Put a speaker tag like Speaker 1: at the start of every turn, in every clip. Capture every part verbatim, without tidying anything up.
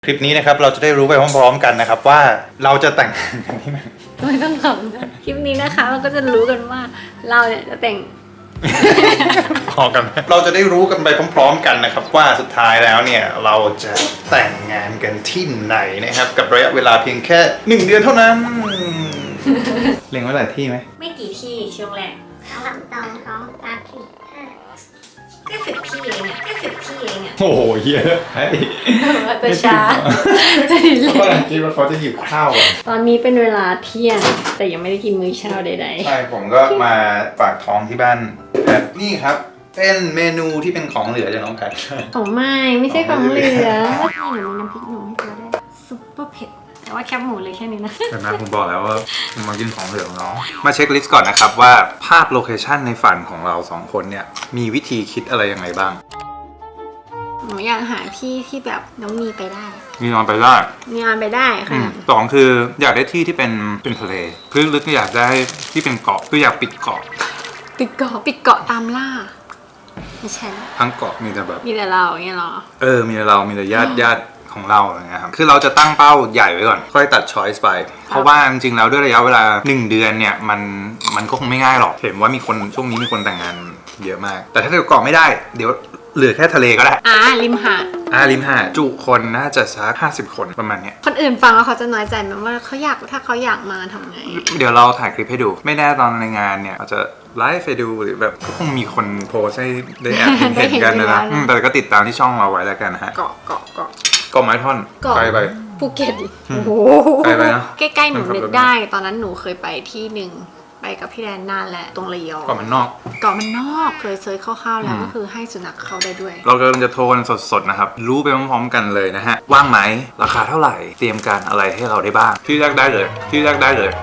Speaker 1: คลิปนี้นะครับเราจะได้รู้ไปพร้อมๆกันนะครับว่าเราจะแต่งงานกันที่ไหน
Speaker 2: ไม่ต้องทำนะคลิปนี้นะคะเราก็จะรู้กันว่าเราเนี่ยจะแต่ง
Speaker 1: พอกันเราจะได้รู้กันไปพร้อมๆกันนะครับว่าสุดท้ายแล้วเนี่ยเราจะแต่งงานกันที่ไหนนะครับกับระยะเวลาเพียงแค่หนึ่งเดือนเท่านั้นเล็งไว้หลายที่ไหม
Speaker 2: ไม่กี่ที่ช่วงแรก
Speaker 3: สามสองสองสามสี่ห้า
Speaker 2: แค่สิบที่เองอะแค่สิบที่เองอะ
Speaker 1: โอ้โหเยอะเฮ้ย
Speaker 2: แต่ช้าจะดีเลย
Speaker 1: เขากำลังคิดว่าเขาจะหยิบข้าวอ่ะ
Speaker 2: ตอนนี้เป็นเวลาเที่ยงแต่ยังไม่ได้กินมื้อเช้าใดๆ
Speaker 1: ใช่ผมก็มาฝากท้องที่บ้านแพทนี่ครับเป็นเมนูที่เป็นของเหลือจากน้องแพท
Speaker 2: ของไม่ไม่ใช่ของเหลือนี่หนูน้ำพริกหนุ่มให้เธอได้ซุปเปอร์เผ็ดแต่ว่าแคบหมูเลยแค่นี้นะ
Speaker 1: เห็นไหมผมบอกแล้วว่ามากินของเหลือของน้องมาเช็คลิสต์ก่อนนะครับว่าภาพโลเคชั่นในฝันของเราสองคนเนี่ยมีวิธีคิดอะไรยังไงบ้าง
Speaker 2: หนูอยากหาที่ที่แบบน้องมีไปได้
Speaker 1: มีนอนไปได้
Speaker 2: มีงานไปได้ค่ะ
Speaker 1: สองคืออยากได้ที่ที่เป็นเป็นทะเลพื้นลึกก็อยากได้ที่เป็นเกาะคืออยากปิดเกาะ
Speaker 2: ปิดเกาะปิดเกาะตามล่าไม่ใช่
Speaker 1: ทั้งเกาะมีแต่แบบ
Speaker 2: มีแต่เราอย่างเงี้ยหรอ
Speaker 1: เออมีแต่เรามีแต่ญาติญาติของเราอะไรเงี้ยครับคือเราจะตั้งเป้าใหญ่ไว้ก่อนค่อยตัดช้อยส์ไปเพราะว่าจริงๆแล้วด้วยระยะเวลาหนึ่งเดือนเนี่ยมันมันก็คงไม่ง่ายหรอกเห็นว่ามีคนช่วงนี้มีคนแต่งงานเยอะมากแต่ถ้าเกิดเกาะไม่ได้เดี๋ยวเหลือแค่ทะเลก็ได้
Speaker 2: อ่าริมหาด
Speaker 1: อ่าริมหาดจุคนน่าจะสักห้าสิบคนประมาณเนี้ย
Speaker 2: คนอื่นฟังแล้วเขาจะน้อยใจไหมว่าเขาอยากถ้าเขาอยากมาทำไง
Speaker 1: เดี๋ยวเราถ่ายคลิปให้ดูไม่แน่ตอนในงานเนี่ยอาจจะไลฟ์ไปดูหรือแบบก็คงมีคนโพสให้ได้แอบเห็นกันนะนะอืมแต่ก็ติดตามที่ช่องเราไว้แล้วกันนะฮะ
Speaker 2: เกาะเกาะเกาะ
Speaker 1: เกาะไม้ท่อน
Speaker 2: เกาะ
Speaker 1: ไปไป
Speaker 2: ภูเก็ตโอ้โห
Speaker 1: ไปไปเนอะ
Speaker 2: ใกล้ๆหนูนึกได้ตอนนั้นหนูเคยไปที่หนึ่งไปกับพี่แดนนานแหละตรงระยอง
Speaker 1: เกาะมันนอก
Speaker 2: เกาะมันนอกเคยเซิร์ชคร่าวๆแล้วก็คือให้สุนัขเข้าได้ด้วย
Speaker 1: เรากำลังจะโทรกันสดๆนะครับรู้ไปพร้อมๆกันเลยนะฮะว่างไหมราคาเท่าไหร่เตรียมการอะไรให้เราได้บ้างที่แรกได้เลยที่แรกได้เลย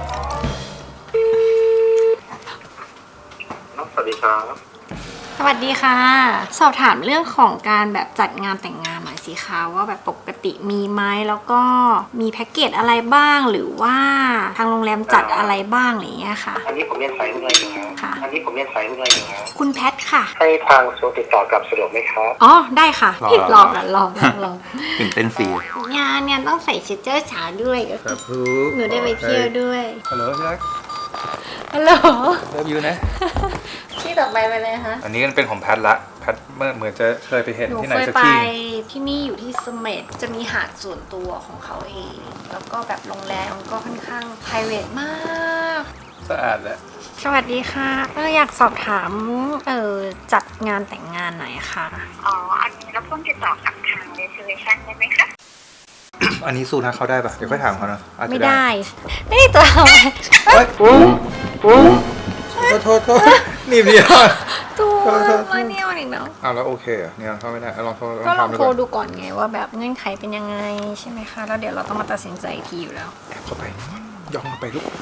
Speaker 4: สวัสดีครับ
Speaker 2: สวัสดีค่ะ สอบถามเรื่องของการแบบจัดงานแต่งงานหน่อยสิคะว่าแบบปกติมีไหมแล้วก็มีแพ็กเกจอะไรบ้างหรือว่าทางโรงแรมจัดอะไรบ้างอะไรอย่างเงี้ยค่ะ
Speaker 4: อันนี้ผมเรียนสายเมื่อยอยู่นะ
Speaker 2: ค่ะ
Speaker 4: อันนี้ผมเรียนสายเมื่อยอยู่นะ
Speaker 2: คุณแพทค่ะ
Speaker 4: ให้ทางโซติดต่อกลับสะดวกไหมครับ
Speaker 2: อ๋อได้ค่ะรอกันรอกันรอ
Speaker 1: ตื่นเต้นฟรี
Speaker 2: งานเนี่ยต้องใส่ชุดเจ้าสาวด้วย
Speaker 1: ครับพู
Speaker 2: หนูได้ไปเที่ยวด้วย
Speaker 1: ฮัลโหลพี่รัก
Speaker 2: ฮัลโหล
Speaker 1: เลิฟยูนะ
Speaker 2: ที่ต่อไปไปเลยคะ
Speaker 1: อันนี้เป็นของแพทละแพทเมื่อเหมือนจะเคยไปเห็น
Speaker 2: หนู
Speaker 1: ที่ไหน
Speaker 2: เคย
Speaker 1: สัก
Speaker 2: ไป
Speaker 1: ที่
Speaker 2: ที่นี่อยู่ที่เสม็ดจะมีหาดส่วนตัวของเขาเอง แล้วก็แบบโรงแรมก็ค่อนข้าง private มาก
Speaker 1: สะอาดแหละ
Speaker 2: สวัสดีค่ะเอออยากสอบถามเออจัดงานแต่งงานหน่อยค่ะ
Speaker 3: อ๋อ อันนี้เราเพิ่งติดต่อกับทาง reservation ได้ไหมคะ
Speaker 1: อันนี้สู้นะเขาได้ปะเดี๋ยวค่อยถามเขานะอาจจะ
Speaker 2: ไม่ได้ ไม่ได้ตัว
Speaker 1: เฮ้ยโอ้โอ้โทษโทษโทษหนีบเดียว
Speaker 2: ตัวมาเนี่ยวันอีกเนาะ
Speaker 1: อ้าวแล้วโอเคเหรอเนี่ยเข้าไม่ได้เอาลองโทร
Speaker 2: ก็ลอง
Speaker 1: ทำ
Speaker 2: โทร
Speaker 1: ก่น
Speaker 2: ดูก่อนไงว่าแบบเงื่อนไขเป็นยังไงใช่ไหมคะ แล้วเดี๋ยวเราต้องมาตัดสินใจอีกทีอยู่แล้ว
Speaker 1: แอบเข้าไปย่องเข้าไปลูก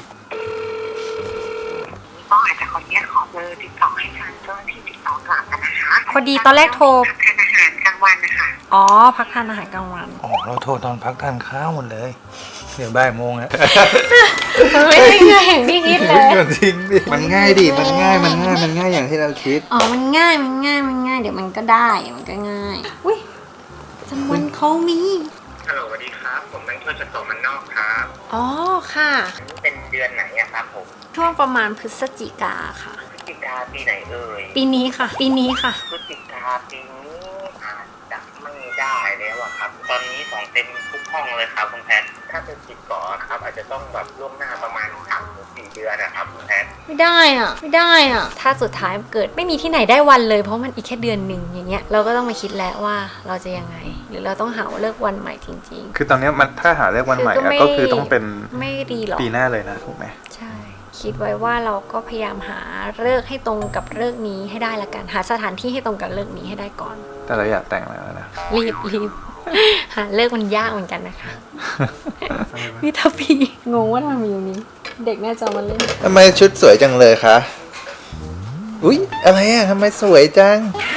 Speaker 3: ก็อาจจะขออนุญาตขอเบอร์ติดต่อให้ทางเจ้าหน้าที่ติดต่อกลับนะคะ
Speaker 2: พอดีตอนแรกโทร
Speaker 3: ทานอาหารกลางวันนะคะ
Speaker 2: อ๋อพักทานอาหารกลางวัน
Speaker 1: อ๋อเราโทรตอนพักทานข้าวหมดเลยเดี๋ยวบ่ายโมงแล้ว
Speaker 2: มันไม่ได้ง่ายอย่างที่คิดเลย
Speaker 1: จริงดิมันง่ายดิมันง่ายมันง่ายมันง่ายอย่างที่เราคิด
Speaker 2: อ๋อ มันง่าย มันง่าย มันง่าย เดี๋ยวมันก็ได้ มันก็ง่าย อุ้ยจำวันเขามี
Speaker 4: ฮัลโหลสวัสดีครับ ผมแบงค์เพื่อจะต่อมันนอกครับ
Speaker 2: อ๋อ ค่ะ
Speaker 4: เป็นเดือนไหนอะครับผม
Speaker 2: ช่วงประมาณพฤศจิกาค่ะ
Speaker 4: พฤศจิกาปีไหนเอ่ย
Speaker 2: ปีนี้ค่ะ ปีนี้ค่ะ
Speaker 4: พฤศจิกาปีนี้อาจจะไม่ได้แล้วอะครับ ตอนนี้ของเต็มทุกห้องเลยครับคุณแพท ถ้าเป็นติดต่อครับอาจจะต้องแบบล่วงหน้าประมาณสามถึงสี่เดือนนะครับคุณแพท
Speaker 2: ไม่ได้อ่ะ ไม่ได้อ่ะ ถ้าสุดท้ายเกิดไม่มีที่ไหนได้วันเลย เพราะมันอีกแค่เดือนหนึ่งอย่างเงี้ย เราก็ต้องมาคิดแล้วว่าเราจะยังไง หรือเราต้องหาเลิกวันใหม่จริง
Speaker 1: คือตอนนี้มันถ้าหาเลือกวันใหม่
Speaker 2: คือก็
Speaker 1: อะ
Speaker 2: ไม่
Speaker 1: ก็คือต้องเป็น
Speaker 2: ๆ ไม่ดีหรอก
Speaker 1: ปีหน้าเลยนะถูกไหม
Speaker 2: ใช่ คิดไว้ว่าเราก็พยายามหาเลิกให้ตรงกับเลิกนี้ให้ได้ละกัน หาสถานที่ให้ตรงกับเลิกนี้ให้ได้ก่อน
Speaker 1: แต่เราอยากแต่งแล้วนะ
Speaker 2: รีบรีบ หาเลิกมันยากเหมือนกันนะคะ วิทพีงงว่าทำไมอยู่นี้ เด็กน่าจะเอามาเล่น
Speaker 1: ทำไมชุดสวยจังเลยคะอุ๊ยอะไรอ่ะทำไมสวยจัง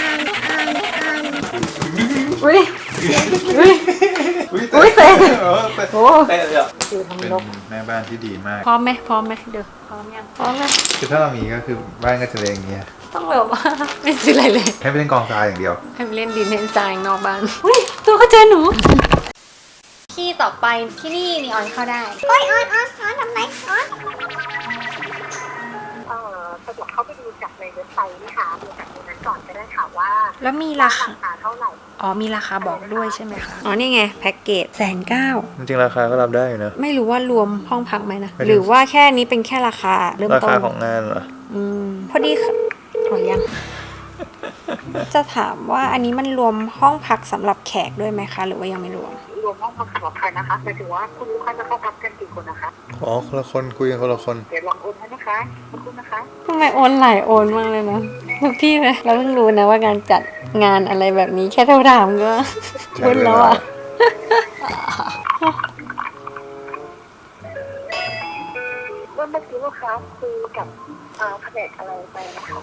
Speaker 2: อุ้ยอุ้ย อุ๊ยเตะ โอ้
Speaker 1: เตะเลยอ่ะ
Speaker 2: อยู่ทำ
Speaker 1: เป็น
Speaker 2: ลบ
Speaker 1: แม่บ้านที่ดีมาก
Speaker 2: พร้อมไหมพร้อมไหมเดี๋ยวพร้อมยังพร้อมไหม
Speaker 1: คือถ้าเรามีก็คือบ้านก็จะเอย่างเงี้ย
Speaker 2: ต้องแบบว่า ไม่ซื้ออะไรเลย
Speaker 1: ให้ไปเล่นกองทรายอย่างเดียว
Speaker 2: ให้ไปเล่นดินเล่นทรายนอกบ้านอุ้ยตัวก็เจอหนูต่อไปที่นี่นี่ออนเข้าได้โอ้ยออนออนออนทำไมออน
Speaker 3: เอ่อสะดวกเข้าไปดูจากในเว็บไซต์นะคะดูจากตรงนั้นก่อนก็ได้ค่ะว่า
Speaker 2: แล้วมีราคา
Speaker 3: ราคาเท่าไหร่
Speaker 2: อ๋อมีราคาบอกด้วยใช่ไหมคะอ๋อนี่ไงแพ็กเกจแสนเก้า
Speaker 1: จริงๆราคาก็รับได้อยู่นะ
Speaker 2: ไม่รู้ว่ารวมห้องพักไหมนะ
Speaker 1: ไม่รู้
Speaker 2: หรือว่าแค่นี้เป็นแค่ราคาเริ่ม
Speaker 1: รา
Speaker 2: ต้น
Speaker 1: คาของงานเหรอ
Speaker 2: อืมพอดีค่ะขอยัง จะถามว่าอันนี้มันรวมห้องพักสำหรับแขกด้วยไหมคะ หรือว่ายังไม่รวม
Speaker 3: รวมห้องพักสำหรับใครนะคะหมายถึงว่าคุณลูกค้าจะเข้าพักกันกี่คนนะคะ
Speaker 1: อ๋อคนละคนคุยกันคนละคน
Speaker 3: เดี๋ยวลองโอนให้นะคะขอบคุณนะคะ
Speaker 2: ทำไมโอนหลายโอนมากเลยนะทุกที่เลยเราเพิ่งรู้นะว่าการจัดงานอะไรแบบนี้แค่โทรถามก็
Speaker 1: ใช่
Speaker 2: วุ่นแล้วอ่ะ
Speaker 3: เมื่อเมื่อกี้ลูกค้าคุยกับเอ่อแผนกอะไรไปนะคะ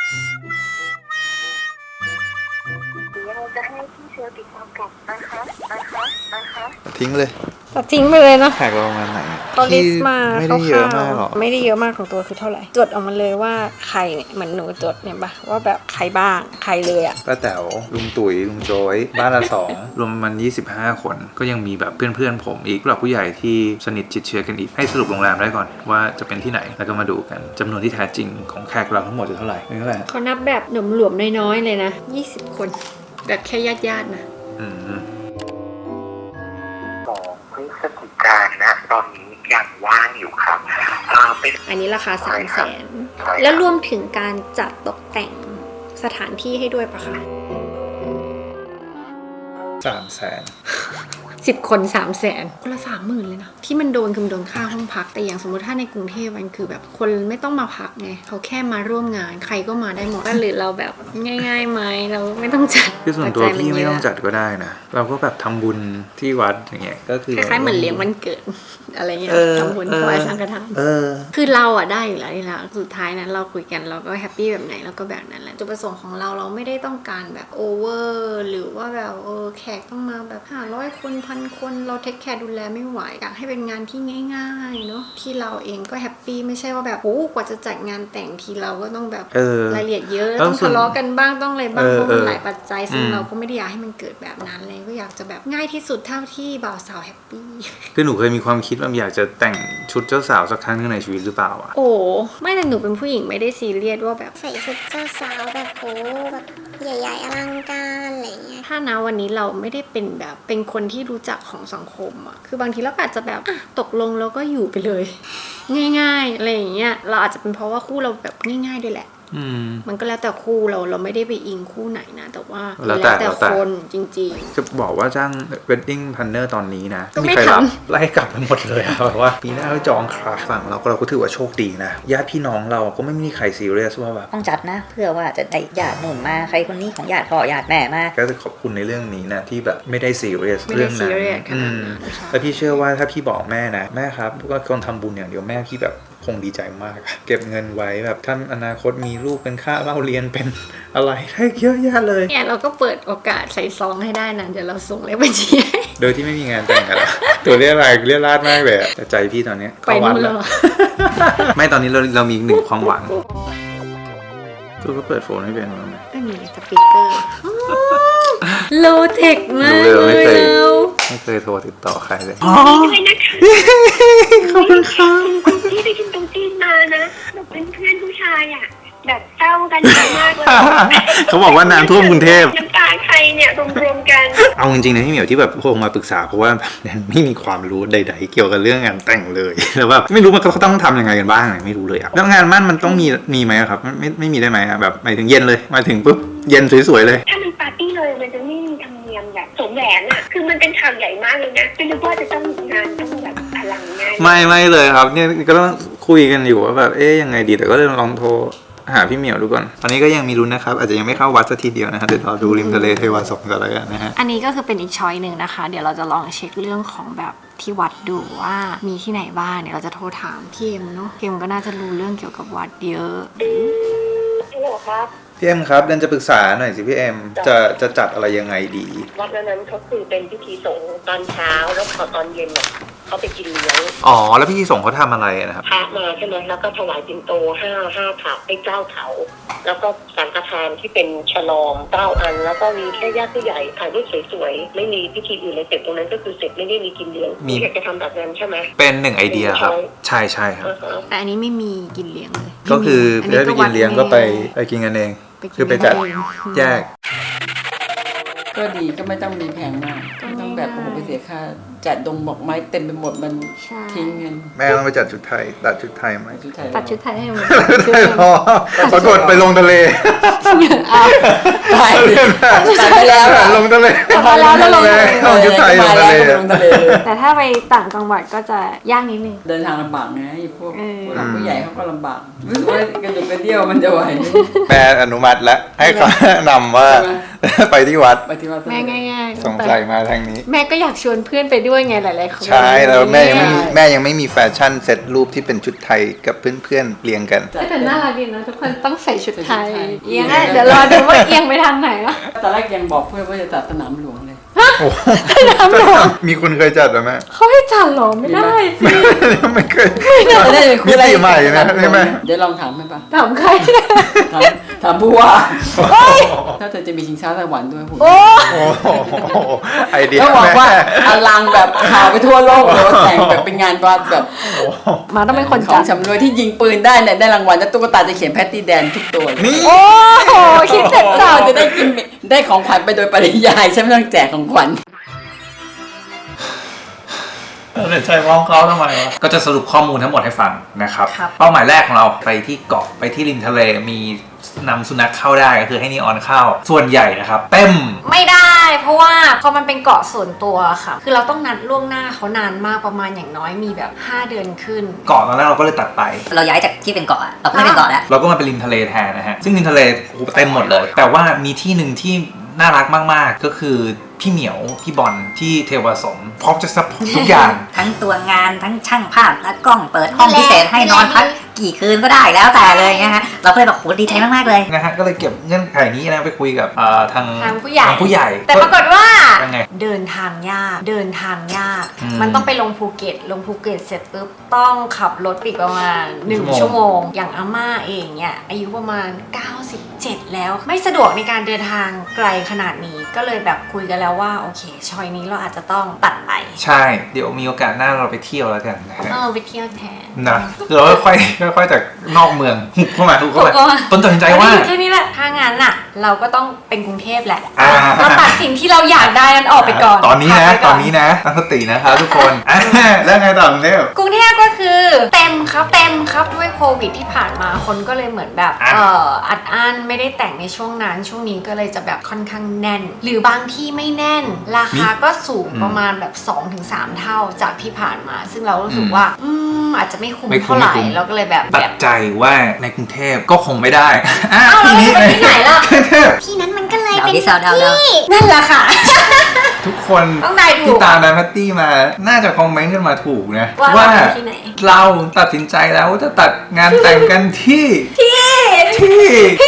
Speaker 3: เดี๋ยวเราจะให้พี่เชลติดตามกลับนะคะนะคะนะคะ
Speaker 1: ทิ้งเลย
Speaker 2: ตัดทิ้งไปเลยเนาะ
Speaker 1: แขกเราประมาณไหน
Speaker 2: เขาลิสต์มา
Speaker 1: ไม่ได้เยอะมากหรอก
Speaker 2: ไม่ได้เยอะมากของตัวคือเท่าไหร่จดออกมาเลยว่าใครเนี่ยเหมือนหนูจดเนี่ยปะว่าแบบใครบ้างใครเลยอะ
Speaker 1: ป้าแต๋วลุงตุ๋ยลุงโจยบ้านละสองรวมมันยี่สิบห้าคนก็ยังมีแบบเพื่อนๆผมอีกผู้หลักผู้ใหญ่ที่สนิทชิดเชื้อกันอีกให้สรุปโรงแรมได้ก่อนว่าจะเป็นที่ไหนแล้วก็มาดูกันจำนวนที่แท้จริงของแขกเราทั้งหมดจะเท่าไหร่เป็นเท่าไหร่
Speaker 2: เขานับแบบหนมหลวมน้อยๆเลยนะยี่สิบคนแบบแค่ญาติๆนะ
Speaker 1: อืม
Speaker 4: สองพฤศจิกายนนะตอนนี้ยังว่างอยู่ครับอ่าเป็น
Speaker 2: อันนี้ราคาสามแสน
Speaker 4: ใช่ครับ
Speaker 2: แล้วรวมถึงการจัดตกแต่งสถานที่ให้ด้วยปะคะ
Speaker 1: สามแสน
Speaker 2: สิบคนสามแสนคนละสามหมื่นเลยนะที่มันโดนคือมันโดนค่าห้องพักแต่อย่างสมมติถ้าในกรุงเทพมันคือแบบคนไม่ต้องมาพักไงเขาแค่มาร่วมงานใครก็มาได้หมดหรือเราแบบง่ายๆไหมเราไม่ต้องจัด
Speaker 1: คือส่วนตัว
Speaker 2: ปัจจัย
Speaker 1: พี่ไม่
Speaker 2: เยะ
Speaker 1: ต้องจัดก็ได้นะเราก็แบบทำบุญที่วัดอย่างเงี้ยก็คือ
Speaker 2: คล้ายๆเหมือนเลี้ยงวันเกิด อะไรเงี้ย
Speaker 1: เออ
Speaker 2: ทำบุญ
Speaker 1: เออ
Speaker 2: ถวายสังฆทาน
Speaker 1: เออ
Speaker 2: คือเราอะได้อยู่แล้วนี่แหละสุดท้ายนั้นเราคุยกันเราก็แฮปปี้แบบไหนเราก็แบบนั้นแหละจุดประสงค์ของเราเราไม่ได้ต้องการแบบโอเวอร์หรือว่าแบบเออแขกต้องมาแบบห้าร้อยคนพันคนเราเทคแคร์ดูแลไม่ไหวอยากให้เป็นงานที่ง่ายๆเนาะที่เราเองก็แฮปปี้ไม่ใช่ว่าแบบโอ้กว่าจะจัดงานแต่งทีเราก็ต้องแบบ
Speaker 1: เออ
Speaker 2: รายละเอียดเยอะ
Speaker 1: แล้ว
Speaker 2: ต้อง
Speaker 1: ส่วน
Speaker 2: ทะเลาะกันบ้างต้องอะไรบ้าง
Speaker 1: เออ
Speaker 2: เพราะมัน
Speaker 1: เออ
Speaker 2: หลายปัจจัยซึ่ง
Speaker 1: อืม
Speaker 2: เราก็ไม่ได้อยากให้มันเกิดแบบนั้นเลยก็อยากจะแบบง่ายที่สุดเท่าที่บ่าวสาวแฮปปี้
Speaker 1: คือหนูเคยมีความคิดว่าอยากจะแต่งชุดเจ้าสาวสักครั้งหนึงในชีวิตหรือเปล่าอ่ะ
Speaker 2: โอ้ไม่แต่หนูเป็นผู้หญิงไม่ได้ซีเรียสว่าแบบ
Speaker 5: ใส่ชุดเจ้าสาวแบบโหแบบใหญ่ๆอลังการอะไรเงี้ย
Speaker 2: ถ้านะวันนี้เราไม่ได้เป็นแบบเป็นคนที่รู้จักของสังคมอะคือบางทีเราก็อาจจะแบบอ่ะตกลงแล้วก็อยู่ไปเลย ง่ายๆอะไรอย่างเงี้ยเราอาจจะเป็นเพราะว่าคู่เราแบบง่ายๆด้วยแหละ
Speaker 1: อืม
Speaker 2: มันก็แล้วแต่คู่เราเราไม่ได้ไปอิงคู่ไหนนะ แต่ว่า
Speaker 1: แล้วแต่แล้วแต่
Speaker 2: คนจริง
Speaker 1: จะบอกว่าจ้าง wedding planner ตอนนี้นะ
Speaker 2: ก็ไม่
Speaker 1: ใครรับ
Speaker 2: ทำ
Speaker 1: ไล่กลับไปหมดเลยอะแบบว่าปีหน้าเขาจองค่ะฝั่งเราก็เราก็ถือว่าโชคดีนะญาติพี่น้องเราก็ไม่มีใครซีเรียสว่าแบบ
Speaker 6: ต้องจัดนะ เพื่อว่าจะได้ญาติหนุนมาใครคนนี้ของญาติพ่อญาติแม่มา
Speaker 1: ก็จะขอบคุณในเรื่องนี้นะที่แบบไม่ได้ซีเรียส
Speaker 2: ไม่ได้
Speaker 1: เรื่องนั้น
Speaker 2: serious ข
Speaker 1: อื
Speaker 2: นาด
Speaker 1: ม
Speaker 2: นั้นใช่
Speaker 1: แล้วพี่เชื่อว่าถ้าพี่บอกแม่นะแม่ครับก็คนทำบุญอย่างเดียวแม่พี่แบบคงดีใจมากอะเก็บเงินไว้แบบท่านอนาคตมีลูกเป็นค่าเล่าเรียนเป็นอะไรได้เยอะแยะเลย
Speaker 2: เนี่ยเราก็เปิดโอกาสใส่ซองให้ได้นะเดี๋ยวเราส่งเลขบัญชีให้
Speaker 1: โดยที่ไม่มีงานแต่งกันละ ตัวเรียกอะไรเรียกลาดมากเลยอะแต่ใจพี่ตอนเนี้ย
Speaker 2: ไป
Speaker 1: เข้าวัด
Speaker 2: นู่น
Speaker 1: แล้
Speaker 2: แล้ว ว
Speaker 1: ไม่ตอนนี้เราเรามีหนึ่งความหวังตัวก็เปิดโฟนไม่เป็นมั้ง
Speaker 2: ก็มีสปีกเกอร์โลเทคมาก
Speaker 1: รู้เลยว่าไม่เคย
Speaker 2: เรา
Speaker 1: ไม่เคยโทรติดต่อใครเลย
Speaker 3: ด้วยนะคะ
Speaker 1: ขอบคุณครับ
Speaker 3: คุณที่ไปกินตรงจีนมานะแบบเป็นเพื่อนผู้ชายอ่ะแบบเศร้ากันเยอะมากเลย
Speaker 1: เขาบอกว่าน้ำท่วมกรุงเทพ
Speaker 3: น้ำตาใครเนี่ยรวมๆกัน
Speaker 1: เอาจริงๆนะพี่เหมียวที่แบบโทรมาปรึกษาเพราะว่าแบบไม่มีความรู้ใดๆเกี่ยวกับเรื่องงานแต่งเลยแล้วแบบไม่รู้มันเขาต้องทำยังไงกันบ้างไม่รู้เลยอะแล้วงานมั่นมันต้องมีมีไหมอะครับไม่ไม่ไม่มีได้ไหมอะแบบหมายถึงเย็นเลยมาถึงปุ๊บเย็นสวยๆเลย
Speaker 3: ถ้ามันปาร์ตี้เลยมันจะไม่มีธรรมเนียมแบบสวมแหวนอ่ะคือมันเป็นข่าวใหญ่มากเลยนะไม่รู้ว่าจะต้องงานต้องแบบอลังงาน
Speaker 1: ไม่ไม่เลยครับเนี่ยก็ต้องคุยกันอยู่ว่าแบบเอ๊ยยังไงดีแต่ก็เลยลองโทรหาพี่เหมียวดูก่อนตอนนี้ก็ยังมีลุ้นนะครับอาจจะยังไม่เข้าวัดสักทีเดียวนะฮะเดี๋ยวรอดูริมทะเลเทวาสงกันแล้วกันนะฮะ
Speaker 2: อันนี้ก็คือเป็นอีกช้อยหนึ่งนะคะ เดี๋ยวเราจะลองเช็คเรื่องของแบบที่วัดดูว่ามีที่ไหนบ้างเดี๋ยวเราจะโทรถามพี่เอ็มเนาะพี่เอ็มก็น่าจะรู้เรื่องเกี่ยวกับวัดเยอะ
Speaker 3: ฮัลโหลครับ
Speaker 1: พี่เอ็มครับเดนจะปรึกษาหน่อยสิพี่เอ็มจะจะจัดอะไรยังไงดี
Speaker 3: วัดนั้นเขาคือเป็นพิธีสงฆ์ตอนเช้าแล้วพอตอนเย็นเนี่ยเขาไปกินเลี้ยง
Speaker 1: อ๋อแล้วพี่ส่งเขาทำอะไรนะครับ
Speaker 3: พระมาใช่ไหมแล้วก็ถวายปิ่นโตห้าห้าถาดให้เก้าเถาแล้วก็สังฆทานที่เป็นฉลองเก้าอัน แล้วก็มีแค่ญาติผู้ใหญ่ถ่ายรูปสวยๆไม่มีพิธีอื่นเลยเสร็จตรงนั้นก็คือเสร็จไม่ได้มีกินเลี้ยง
Speaker 1: มี
Speaker 3: อยากจะทำแบบนั้นใช่ไหม
Speaker 1: เป็นหนึ่งไอเดียครับ ใช่ใช่ครับ
Speaker 3: อ่าฮะ
Speaker 2: แต่อันนี้ไม่มีกินเลี้ยงเลย
Speaker 1: ก็คือได้ไปกินเลี้ยงก็ไป
Speaker 2: วัด
Speaker 1: ไปกินกันเอง
Speaker 2: ไปกิน
Speaker 1: คือไปจัด
Speaker 2: เอง
Speaker 1: แยก
Speaker 7: ก็ดีก็ไม่ต้องมีแพงมากไม่ต้องแบบโอ้โหไปเสียค่าจัดดงบอกไม้เต็มไปหมดมัน
Speaker 2: ใช่
Speaker 7: ทิ้งเงิน
Speaker 1: แม่ต้องไปจัดชุดไทยตัดชุดไทยไหม
Speaker 7: ชุดไทย
Speaker 2: ตัดชุดไทยให้มัน
Speaker 1: ไทยพอปรากฏไปลงทะเล
Speaker 2: อ้าว
Speaker 7: ไปตัดไปแล้วอะ
Speaker 1: ลงทะเล
Speaker 2: ตัดไปแล้วแล้วลงทะเล
Speaker 1: ลงชุดไทยลงทะเล
Speaker 7: ลงทะเล
Speaker 2: แต่ถ้าไปต่างจังหวัดก็จะยากนิดนึง
Speaker 7: เดินทางลำบากไงพวก
Speaker 2: เออ
Speaker 7: ผู้หลักผู้ใหญ่เขาก็ลำบากรู้สึกว่ากระดุกกระเดี่ยวมันจะไหว
Speaker 1: แม่อนุมัติแล้วให้เขาแนะนำว่า ไปที่วัด
Speaker 7: ไปที่วัด
Speaker 2: แม่ง่ายๆ
Speaker 1: สงสัยมาทางนี้
Speaker 2: แม่ก็อยากชวนเพื่อนไปด้วยไงหลายๆคน
Speaker 1: ใช่แล้วแม่ยังไม่มีแม่ยังไม่มีแฟชั่นเซตรูปที่เป็นชุดไทยกับเพื่อนๆเรียงกัน
Speaker 2: แต่น่ารักดีนะทุกคนต้องใส่ชุดไทยเอียงอะเดี๋ยวรอดูว่าเอียงไปทางไหนวะ
Speaker 7: ตอนแรกยังบอกเพื่อนว่าจะจัดสนามหลวงเลย
Speaker 2: น้ำหลวง
Speaker 1: มีคนเคยจัดหรือไหม
Speaker 2: เขาให้จัดเหรอไม่ได้สิ
Speaker 1: ไม่เคย
Speaker 7: จะได้เป็นคุ
Speaker 1: มิ
Speaker 7: ยอะไร
Speaker 1: ติใหม่นะใช่ไหม
Speaker 7: เดี๋ยวลองถามไหมปะ
Speaker 2: ถามใคร
Speaker 7: ถามถามผู้ว่าถ้าเธอจะมีชิงช้าสวรรค์ด้วยผม
Speaker 2: โอ้
Speaker 1: โอ้โหไอเดีย
Speaker 7: ต้องบอก
Speaker 1: แม่
Speaker 7: ว่าอลังแบบข่าวไปทั่วโลกเลยว่าแต่งแบบเป็นงานวัดแบบ
Speaker 2: มาต้องเป็นคน
Speaker 7: ขอ
Speaker 2: จั
Speaker 7: ง
Speaker 2: ด
Speaker 7: ชำรวยที่ยิงปืนได้เนี่ยได้รางวัลแล้วตุ๊กตาจะเขียนแพตตี้แดนทุกตัวเลย
Speaker 1: นี่
Speaker 2: โอ้โหคิดเสร็จ
Speaker 7: เจ้า
Speaker 2: เจ้า
Speaker 7: จะได้กินได้ของขวัญไปโดยปริยายใช่ไหมต้องแจกของขวัญ
Speaker 1: ใช่ร้องเขาทำไมวะก็จะสรุปข้อมูลทั้งหมดให้ฟังนะครับ
Speaker 2: ครับ
Speaker 1: เป้าหมายแรกของเราไปที่เกาะไปที่ริมทะเลมีนำสุนัขเข้าได้ก็คือให้นีออนเข้าส่วนใหญ่นะครับเต็ม
Speaker 2: ไม่ได้ เพราะว่าพอมันเป็นเกาะส่วนตัวค่ะ คือเราต้องนัดล่วงหน้าเขานานมากประมาณอย่างน้อยมีแบบห้าเดือนขึ้น
Speaker 1: เกาะตอนแรกเราก็เลยตัดไป
Speaker 6: เราย้ายจากที่เป็นเกาะอะเราก็ไม่เป็นเกาะแล้ว
Speaker 1: เราก็มาเป็นริมทะเลแทนนะฮะซึ่งริมทะเลโอ้โหเต็มหมดเลย แต่ว่ามีที่หนึ่งที่น่ารักมากๆก็คือพี่เหมียวพี่บอลที่เทวสมพร้อมจะซัพพอร์ตทุกอย่าง
Speaker 6: ทั้งตัวงานทั้งช่างภาพและกล้องเปิดห้องพิเศษให้นอนพักกี่คืนก็ได้แล้วแต่เลยนะฮะเราก็เลยแบบโหดีใจมากๆเลย
Speaker 1: นะฮะก็เลยเก็บเงื่อนไขนี้นะไปคุยกับเอ่อทาง
Speaker 2: ทางผู้ใหญ่
Speaker 1: ทางผู้ใหญ่
Speaker 2: แต่ปรากฏว่า
Speaker 1: ยังไง
Speaker 2: เดินทางยาก เดินทางยาก
Speaker 1: อืม
Speaker 2: มันต้องไปลงภูเก็ต ลงภูเก็ตเสร็จปุ๊บต้องขับรถปีกประมาณหนึ่ง
Speaker 1: ชั่
Speaker 2: ชั่
Speaker 1: ว
Speaker 2: ว
Speaker 1: โม
Speaker 2: โม
Speaker 1: ง
Speaker 2: ง อย่างอาม่าเองเนี่ยอายุประมาณเก้าสิบเจ็ดแล้ว ไม่สะดวกในการเดินทางไกลขนาดนี้ ก็เลยแบบคุยกันแล้วว่าโอเคชอยนี้เราอาจจะต้องตัดไป
Speaker 1: ใช่ เดี๋ยวมีโอกาสหน้าเราไปเที่ยวแล้วกันนะฮะ
Speaker 2: เออไปเที่ยวแทน
Speaker 1: นะเราค่อยๆค่อยๆจากนอกเมืองหุบเข้ามาหุบเข้า
Speaker 2: หุบเข้า
Speaker 1: มา
Speaker 2: มา
Speaker 1: ต้นตัดสินใจว่า
Speaker 2: แค่นี้แหละ ถ้างั้นน่ะ เราก็ต้องเป็นกรุงเทพแหละ
Speaker 1: อ่า
Speaker 2: เราตัดสิ่งที่เราอยากได้นั้นออกไปก่อน
Speaker 1: ตอนนี้นะ
Speaker 2: พักไป
Speaker 1: ต
Speaker 2: ก่
Speaker 1: อนนี้นะตั้งสตินะครับทุกคนอ่ะแล้วไงต่อกรุงเทพ
Speaker 2: กรุงเทพก็คือเต็มครับเต็มครับด้วยโควิดที่ผ่านมาคนก็เลยเหมือนแบบ
Speaker 1: อ่ะ
Speaker 2: เอ่ออัดอั้นไม่ได้แต่งในช่วงนั้นช่วงนี้ก็เลยจะแบบค่อนข้างแน่น หรือบางที่ไม่แน่น ราคาก็สูงประมาณแบบ สองถึงสาม เท่าจากที่ผ่านมา ซึ่งเรารู้สึกว่าอืมอาจจะไม่คุ้ม
Speaker 1: ไม่คุ้ม
Speaker 2: เท่าไหร่
Speaker 1: ไม่คุ้ม
Speaker 2: เราก็เลยแบบ
Speaker 1: ตั
Speaker 2: แบ
Speaker 1: ด
Speaker 2: บ
Speaker 1: ใจว่าในกรุงเทพก็คงไม่ได้อ่ะ
Speaker 2: อ้าวแล้วจะไปที่ไหนล่ะ
Speaker 1: กรุงเทพ
Speaker 5: ที่นั้นมันก็เลย
Speaker 6: เดา
Speaker 5: เป็น
Speaker 6: ดิเดาเดาเดา
Speaker 5: ที่
Speaker 2: นั่นแหละค่ะ
Speaker 1: ทุกคน
Speaker 2: ต้องได้ถู
Speaker 1: ที่
Speaker 2: ก
Speaker 1: ตามดันแพตตี้มาน่าจะคอมเมนต์กันมาถูกนะ
Speaker 2: ว่าเราไปที่ไหน
Speaker 1: เราตัดสินใจแล้วว่าจะตัดงานแต่งกันที่ที่ที่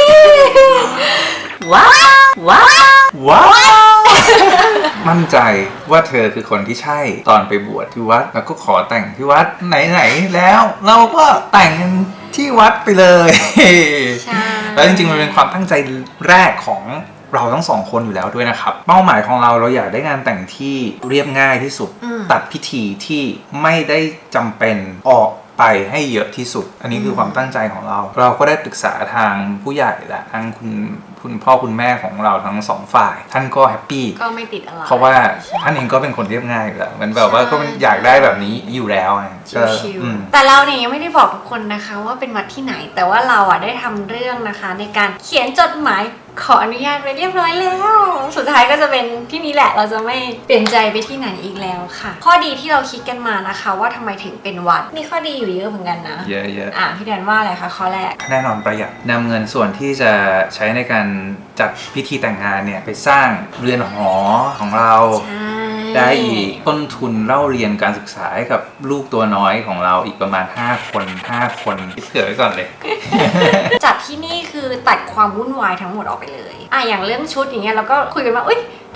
Speaker 6: ว้าวว้าว
Speaker 1: ว้าว มั่นใจว่าเธอคือคนที่ใช่ตอนไปบวชที่วัดแล้วก็ขอแต่งที่วัดไหนๆแล้ว เราก็แต่งกันที่วัดไปเลย
Speaker 2: ใช่
Speaker 1: แล้วจริงๆมันเป็นความตั้งใจแรกของเราทั้งสองคนอยู่แล้วด้วยนะครับเป้าหมายของเราเราอยากได้งานแต่งที่เรียบง่ายที่สุด
Speaker 2: อืม
Speaker 1: ตัดพิธีที่ไม่ได้จำเป็นออกไปให้เยอะที่สุด อันนี้คือความตั้งใจของเรา เราก็ได้ปรึกษาทางผู้ใหญ่และทางคุณคุณพ่อคุณแม่ของเราทั้งสองฝ่าย ท่านก็แฮปปี้
Speaker 2: ก็ไม่ติดอะไร
Speaker 1: เพราะว่าท่านเองก็เป็นคนเรียบง่ายอยู่แล้วมันแบบว่าก็อยากได้แบบนี้อยู่แล้วไงก็
Speaker 2: ชิว
Speaker 1: อืม
Speaker 2: ๆแต่เราเนี่ยยังไม่ได้บอกทุกคนนะคะว่าเป็นวัดที่ไหน แต่ว่าเราอ่ะได้ทำเรื่องนะคะในการเขียนจดหมายขออนุญาตไปเรียบร้อยแล้ว สุดท้ายก็จะเป็นที่นี้แหละเราจะไม่เปลี่ยนใจไปที่ไหนอีกแล้วค่ะ ข้อดีที่เราคิดกันมานะคะว่าทำไมถึงเป็นวัดมีข้อดีอยู่เยอะเหมือนกันนะ
Speaker 1: เยอะๆ
Speaker 2: อ่ะพี่แดนว่าอะไรคะข้อแรก
Speaker 1: แน่นอนประหยัดนำเงินส่วนที่จะใช้ในการจัดพิธีแต่งงานเนี่ยไปสร้างเรือนหอของเรา
Speaker 2: ใช่
Speaker 1: ได้อีกต้นทุนเล่าเรียนการศึกษาให้กับลูกตัวน้อยของเราอีกประมาณห้าคนห้าคนคิดเผื่อไว้ก่อนเลย
Speaker 2: จัดที่นี่คือตัดความวุ่นวายทั้งหมดออกไปเลยอ่ะอย่างเรื่องชุดอย่างเงี้ยเราก็คุยกันว่าอุ้ย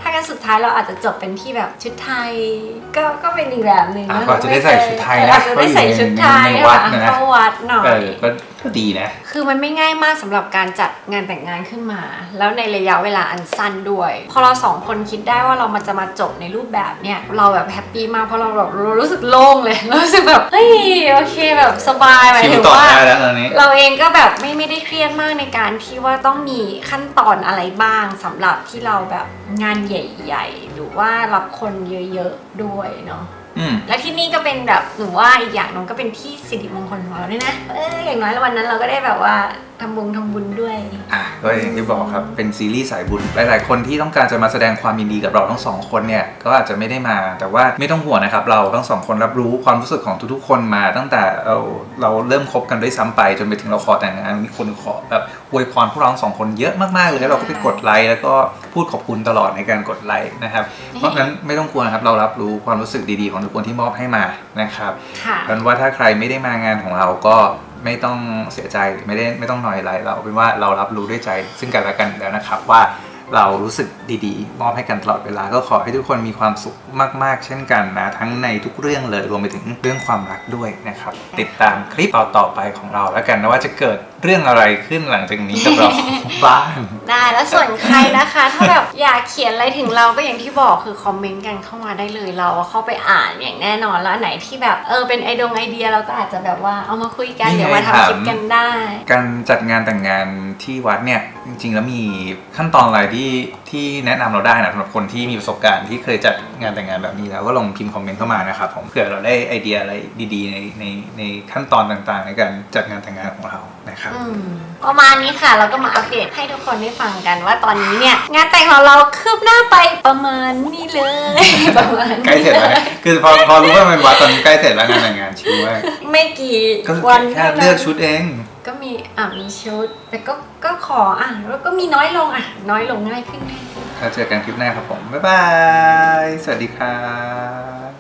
Speaker 2: ถ้ากันสุดท้ายเราอาจจะจบเป็นที่แบบชุดไทย ก็ก็เป็นอีกแบบหนึ่ง
Speaker 1: อ่ะ
Speaker 2: นะ
Speaker 1: ก็จะได้ใส่ชุดไทยนะ
Speaker 2: อาจจะได้ใส่ชุดไทย
Speaker 1: ในวัดนะ
Speaker 2: เข้าวัดหน่อ
Speaker 1: เอย อก็ก็ดีนะ
Speaker 2: คือมันไม่ง่ายมากสำหรับการจัดงานแต่งงานขึ้นมา แล้วในระยะเวลาอันสั้นด้วย พอเราสองคนคิดได้ว่าเรามันจะมาจบในรูปแบบเนี้ยเราแบบแฮปปี้มากเพราะเราแบบเรารู้สึกโล่งเลยเรารู้สึกแบบเฮ้ยโอเคแบบสบายหมาย
Speaker 1: ชิ
Speaker 2: ถึ
Speaker 1: ว
Speaker 2: ง
Speaker 1: ต่อ
Speaker 2: ว่า
Speaker 1: ได้แล้วตอนนี้
Speaker 2: เราเองก็แบบไม่ไม่ได้เครียดมากในการที่ว่าต้องมีขั้นตอนอะไรบ้างสำหรับที่เราแบบงานใหญ่ๆหรือว่ารับคนเยอะๆด้วยเนาะ
Speaker 1: อืม
Speaker 2: และที่นี่ก็เป็นแบบหนูว่าอีกอย่างหนึงก็เป็นที่สิริมงคลของเราด้วยนะเอออย่างน้อยวันนั้นเราก็ได้แบบว่าทำบุญทำบุญด้วย
Speaker 1: อ่ะก็อย่างที่บอกครับเป็นซีรีส์สายบุญหลายๆคนที่ต้องการจะมาแสดงความยินดีกับเราทั้งสองคนเนี่ยก็อาจจะไม่ได้มาแต่ว่าไม่ต้องห่วงนะครับเราทั้งสองคนรับรู้ความรู้สึกของทุกๆคนมาตั้งแต่เราเราเริ่มคบกันด้วยซ้ำไปจนไปถึงเราขอแต่งงานมีคนขอแบบอวยพรพวกเราทั้งสองคนเยอะมากๆเลยแล้วเราก็ไปกดไลค์แล้วก็พูดขอบคุณตลอดในการกดไลค์นะครับเพราะฉะนั้นไม่ต้องกลัวนะครับเรารับรู้ความรู้สึกดีๆของทุกคนที่มอบให้มานะครับ
Speaker 2: ค่ะ
Speaker 1: เพราะฉะนั้นว่าถ้าใครไม่ได้มางานของเราก็ไม่ต้องเสียใจไม่ได้ไม่ต้องหน่อยอะไรเราเป็นว่าเรารับรู้ด้วยใจซึ่งกันและกันแล้วนะครับว่าเรารู้สึกดีๆมอบให้กันตลอดเวลาก็ขอให้ทุกคนมีความสุขมากๆเช่นกันนะทั้งในทุกเรื่องเลยรวมไปถึงเรื่องความรักด้วยนะครับติดตามคลิปต่อๆไปของเราแล้วกันนะว่าจะเกิดเรื่องอะไรขึ้นหลังจากนี้กับเรา บ้าง
Speaker 2: ได้แล้วส่วนใครนะคะ ถ้าแบบอยากเขียนอะไรถึงเราก็อย่างที่บอกคือคอมเมนต์กันเข้ามาได้เลยเราเข้าไปอ่านอย่างแน่นอนแล้วอันไหนที่แบบเออเป็นไอดงไอเดียเราก็อาจจะแบบว่าเอามาคุยกัน
Speaker 1: นี่ไง
Speaker 2: เดี๋ยวมาทำคลิปกันได้
Speaker 1: การจัดงานแต่งงานที่วัดเนี่ยจริงๆแล้วมีขั้นตอนอะไรที่ที่แนะนำเราได้นะสำหรับคนที่มีประสบการณ์ที่เคยจัดงานแต่งงานแบบนี้แล้วก็ลองพิมพ์คอมเมนต์เข้ามานะครับผมเผื่อเราได้ไอเดียอะไรดีๆในในในขั้นตอนต่างๆ ในการจัดงานแต่งงานของเรานะครับ
Speaker 2: อืมประมาณนี้ค่ะเราก็มาอัปเดตให้ทุกคนได้ฟังกันว่าตอนนี้เนี่ยงานแต่งของเราคืบหน้าไปประมาณนี้เลย ประมาณนี้
Speaker 1: ใกล้เสร็จแล้วเนี่ยคือพอพอรู้ว่ามันวัดตอนนี้ใกล้เสร็จแล้วงานแต่งงานชิวมาก
Speaker 2: ไม่กี่
Speaker 1: ก็
Speaker 2: วัน
Speaker 1: แค่เลือกชุดเอง
Speaker 2: ก็มีอ่ะมีชุด แต่ก็ก็ขออ่ะแล้วก็มีน้อยลงอ่ะน้อยลงง่ายขึ้นง่ายขึ้น
Speaker 1: แล้วเจอกันคลิปหน้าครับผมบ๊ายบาย สวัสดีครับ